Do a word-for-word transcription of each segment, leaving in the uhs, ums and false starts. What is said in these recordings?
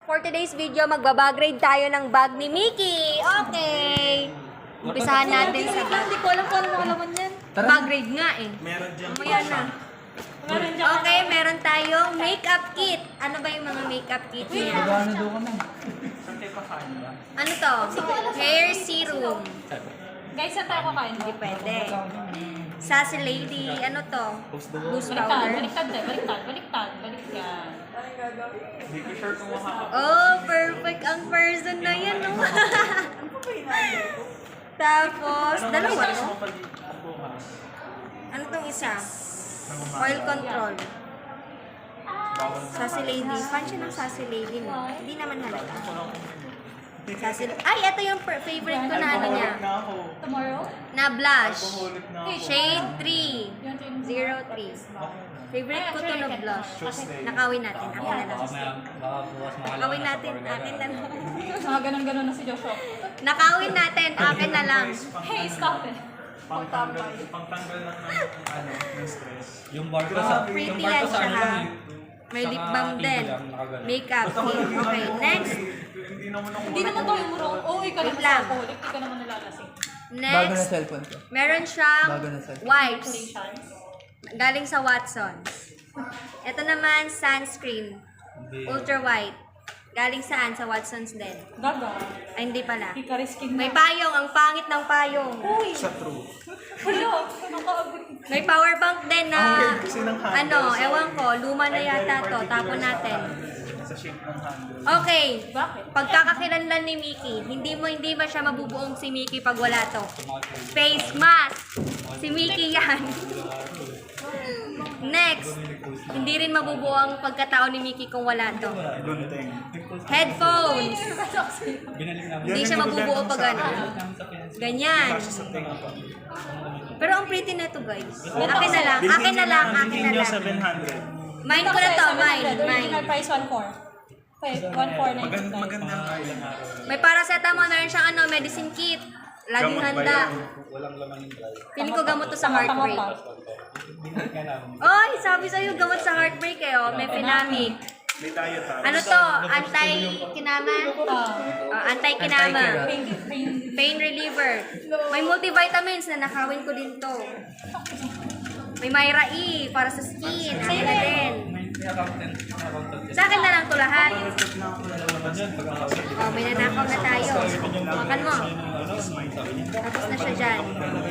For today's video, magbabag-grade tayo ng bag ni Mickey. Okay. Umpisahan natin sa bag. Hindi ko alam kung ano makalaman yan. Bag-grade nga eh. Meron dyan. Mamaya na. Meron dyan. Okay, meron tayong makeup kit. Ano ba yung mga makeup kit niya? Magkano daw kami? Saan kayo kakain ba? Ano to? Hair serum. Guys, saan tayo kakain? Hindi pwede. Sassy Lady. Ano to? Loose Baliktad, powder. baliktad, eh. baliktad, baliktad, baliktad. Hindi ko sure kung makakapag. Oh, perfect ang person na yan, no? Tapos, dalawa, no? mo pa dito bukas? Ano tong isa? Oil control. Bawal na. Sassy Lady. Fan siya ng Sassy Lady, no? Hindi naman halata. Walang Sassy Ay, ito yung per- favorite ko na ano niya. na ako. Tomorrow? Na blush. Alcoholic na ako. Shade three. zero three. Favorite ko to na blush. Nakawin natin. Akin na lang. Baka bukas Nakawin natin. Akin na lang. Mga ganun-ganun na si Joshua. Nakawin natin. Akin na lang. Hey, stop it. Pangtanggal, pangtanggal lang ng ano, ng stress. Yung bar ko sa... Pretty Yung bar yan ko sa siya, ano ha? lang eh. May lip Saka balm tito din. lang, nakaganon. Makeup. Okay, next. Hindi naman ako Hindi naman tayo murong. Oo, ikaw Wait naman lang. sa alcoholic. Hindi ka naman nalalasing. Bago na Next. cellphone ko. Meron siyang Bago na cellphone. wipes. Congratulations. Galing sa Watsons. Ito naman, sunscreen. Hindi. Ultra white. Galing saan? Sa Watsons din. Gaga. Ay, hindi pala. Hindi ka risking May na. payong. Ang pangit ng payong. Uy! sa true. Hello! Naka-agree. May power bank din na, Okay, kasi ng handle, ano, so- ewan ko, luma na yata to. Tapon natin. Sa shape ng handle. Okay. Bakit? Pagkakakilanlan ni Mickey, hindi mo hindi ba siya mabubuong si Mickey pag wala to? Face mask. Si Mickey yan. Next. Hindi rin mabubuo ang pagkatao ni Mickey kung wala to. Gunting. Headphones. Binalik namin. Hindi siya mabubuo pag ano. Ganyan. Kasi sa tingin ko. Pero ang pretty na to, guys. Akin na lang. Akin na lang. Akin na Bilhin nyo lang. seven hundred. Mine ko na to. Mine. Original Mine. price one four. Okay, one four na Maganda, maganda nga yun. May paracetamol na rin siyang ano, medicine kit. Laging Gamot ba handa. yun? Walang laman yung dry. Feeling ko gamot to sa heartbreak. Binalik nga namin. Oy, sabi sa'yo, gamot sa heartbreak eh. Oh. May Phenamic. May diet ha. Ano to? Anti-kinama? Ah. Oh, anti-kinama. Pain, pain. Pain reliever. May multivitamins na nakawin ko din to. May Myra E para sa skin. Akin na din. May may accountant. May accountant. Sa akin na lang to lahat. Naman yan, pag-accountant. Oh, may nanakaw na tayo. Makan mo. Ano, sabi niya. Tapos na siya dyan.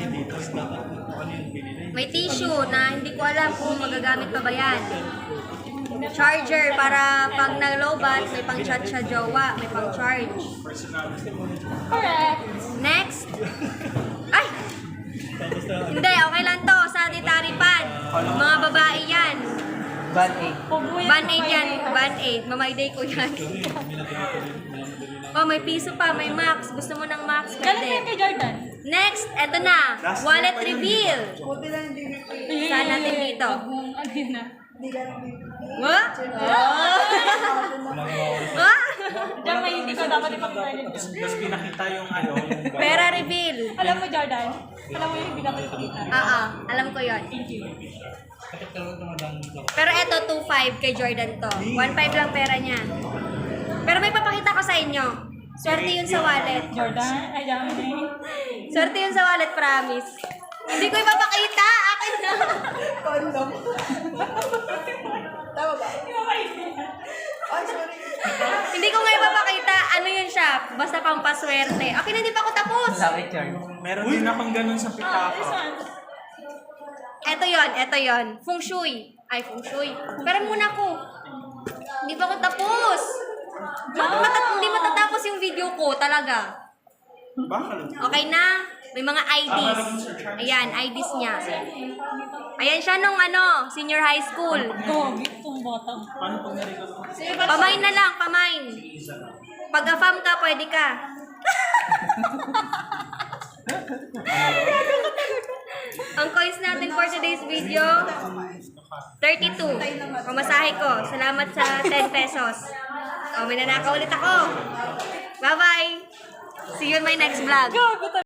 May tissue na hindi ko alam kung magagamit pa ba yan. Charger para pag nag-lowbat, may pang chat sa jowa, may pang charge. Correct. Next. Ay! Hindi, okay lang to. Sanitary pad. Mga babae yan. Band aid. Band-aid yan. Band-aid. Mamay-day ko yan. Oh, may piso pa. May max. Gusto mo ng max? Galing yan Pwede. kay Jordan. Next, eto na. Wallet reveal. Saan natin dito? Ano yun na? What? Oh. Ah! Diyan may hindi ko dapat ipag-garden. Tapos pinakita yung ano, yung Pera reveal. Alam mo, Jordan? Alam mo yun, hindi dapat ipakita. Ah, ah. Alam ko yon. Thank you. Pero eto, two five kay Jordan to. one five lang pera niya. Pero may papakita ko sa inyo. Swerte yun sa wallet. Jordan? Ay, dami na yun. Swerte yun sa wallet, promise. Hindi ko ipapakita. Akin na. Condom. Tama ba? Ay, sorry. Hindi ko nga ipapakita. Ano yun siya? Basta pang paswerte. Okay na, hindi pa ako tapos. Sakit yun. Meron din akong ganun sa Ah, this pitaka. one. Eto yon, eto yon. Feng Shui. Ay, Feng Shui. Pero muna ko. Hindi pa ako tapos. Mat- mata- hindi matatapos yung video ko, talaga. Bakit? Okay na? May mga I Ds. Ayan, I Ds niya. Ayan siya nung ano, senior high school. Gogi, itong bottom. Paano pag narinig ko? Pamain na lang, pamain. Pag afam ka, pwede ka. Ang coins natin for today's video, thirty-two. Pamasahe ko. Salamat sa ten pesos. O, may nanakaw ulit ako. Bye-bye. See you in my next vlog. Gago